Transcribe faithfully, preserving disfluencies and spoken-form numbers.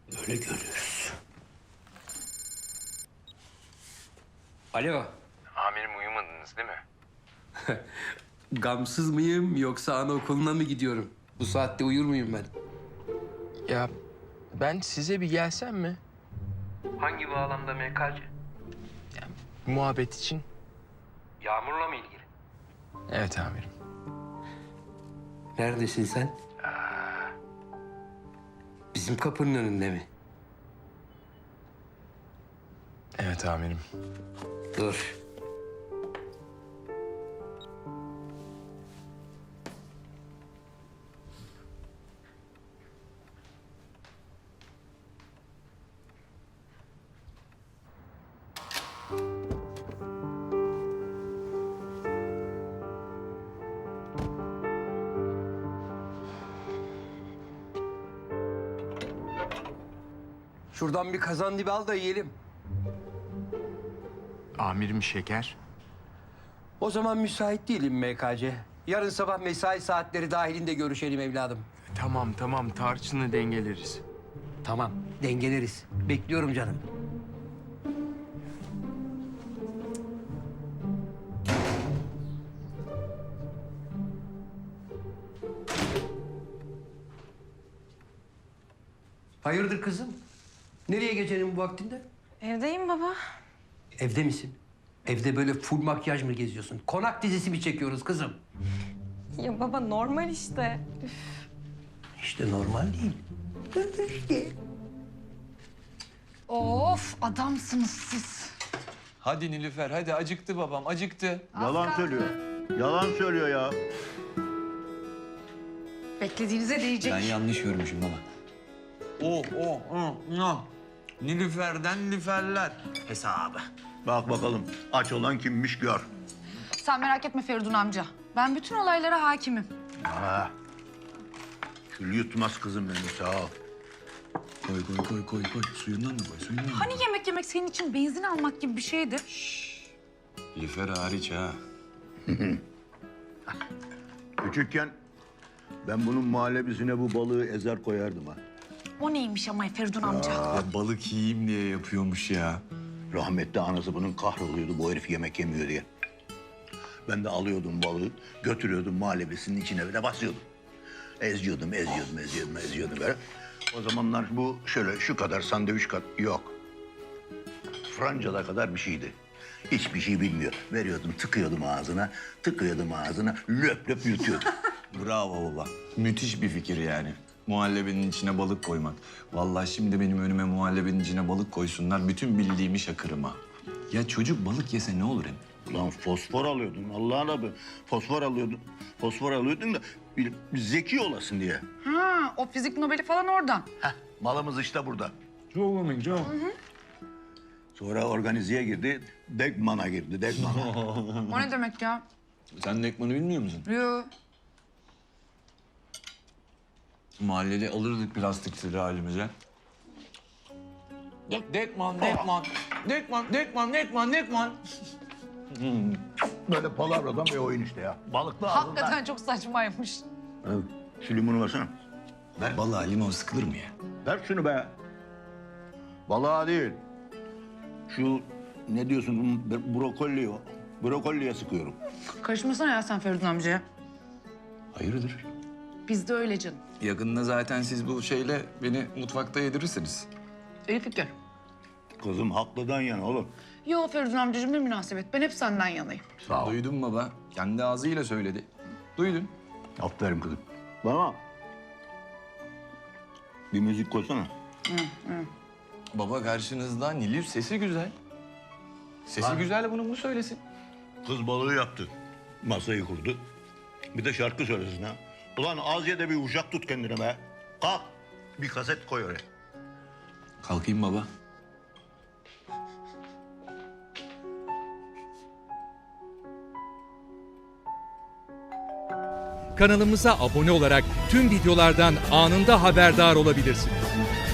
Öyle görürüz. Alo. Amirim uyumadınız değil mi? Gamsız mıyım yoksa anaokuluna mı gidiyorum? Bu saatte uyur muyum ben? Ya ben size bir gelsem mi? Hangi bağlamda M K C? Muhabbet için. Yağmurla mı ilgili? Evet amirim. Neredesin sen? Bizim kapının önünde mi? Evet amirim. Dur. Şuradan bir kazan dibi al da yiyelim. Amirim şeker. O zaman müsait değilim M K C. Yarın sabah mesai saatleri dahilinde görüşelim evladım. Tamam tamam tarçını dengeleriz. Tamam, dengeleriz. Bekliyorum canım. Hayırdır kızım? Nereye gecenin bu vaktinde? Evdeyim baba. Evde misin? Evde böyle full makyaj mı geziyorsun? Konak dizisi mi çekiyoruz kızım? Ya baba normal işte. İşte normal değil. İşte. Of adamsınız siz. Hadi Nilüfer, hadi acıktı babam, acıktı. Yalan söylüyor. Yalan söylüyor ya. Beklediğinize değecek. Ben yanlış görmüşüm baba. Oh, oh, oh, oh. Nilüfer'den Nilüferler hesabı. Bak bakalım aç olan kimmiş gör. Sen merak etme Feridun amca. Ben bütün olaylara hakimim. Ha. Kül yutmaz kızım benim, sağ ol. Koy, koy, koy, koy, koy. Suyundan da koy, suyundan da. Hani yemek yemek senin için benzin almak gibi bir şeydi? Nilüfer hariç ha. Küçükken ben bunun muhallebisine bu balığı ezer koyardım ha. O neymiş ama Feridun amca? Ya balık yiyeyim diye yapıyormuş ya. Rahmetli anası bunun kahroluyordu bu herif yemek yemiyor diye. Ben de alıyordum balığı, götürüyordum muhallebisinin içine böyle basıyordum. Eziyordum, eziyordum, eziyordum, eziyordum böyle. O zamanlar bu şöyle şu kadar sandviç kat yok. Francada kadar bir şeydi. Hiçbir şey bilmiyor. Veriyordum, tıkıyordum ağzına, tıkıyordum ağzına, löp löp yutuyordum. Bravo baba. Müthiş bir fikir yani. Muhallebinin içine balık koymak. Vallahi şimdi benim önüme muhallebinin içine balık koysunlar. Bütün bildiğimi şakırım ha. Ya çocuk balık yese ne olur hem? Ulan fosfor alıyordun Allah'ın adı. Fosfor alıyordun. Fosfor alıyordun da bir, bir zeki olasın diye. Ha, o fizik Nobel'i falan oradan. Heh, malımız işte burada. Çok komik, çok. Sonra organizeye girdi, Degman'a girdi, Degman'a. O ne demek ya? Sen Dekman'ı bilmiyor musun? Yo. Mahallede alırdık plastikleri halimize. Dek, Dekman, Dekman, Dekman, Dekman, Dekman, Dekman. Böyle palavradan bir oyun işte ya. Balıklı ağzından. Hakikaten çok saçmaymış. Evet. Şu limonu versene. Ver balığa limon sıkılır mı ya? Ver şunu be. Balığa değil. Şu ne diyorsun brokoli, brokoliye sıkıyorum. Karışmasana ya sen Feridun amcaya. Hayırdır? Biz de öyle canım. Yakında zaten siz bu şeyle beni mutfakta yedirirsiniz. İyi fikir. Kızım haklıdan yana oğlum. Yo Feridun amcacığım ne münasebet. Ben hep senden yanayım. Sağ ol. Duydun baba. Kendi ağzıyla söyledi. Duydun. Aferin kızım. Bana bir müzik koysana. Baba karşınızda Nilüf sesi güzel. Sesi Lan. güzel bunu mu söylesin? Kız balığı yaptı. Masayı kurdu. Bir de şarkı söylesin ha. Ulan az ye de bir uşak tut kendine be. Kalk. Bir kaset koy oraya. Kalkayım baba. Kanalımıza abone olarak tüm videolardan anında haberdar olabilirsiniz.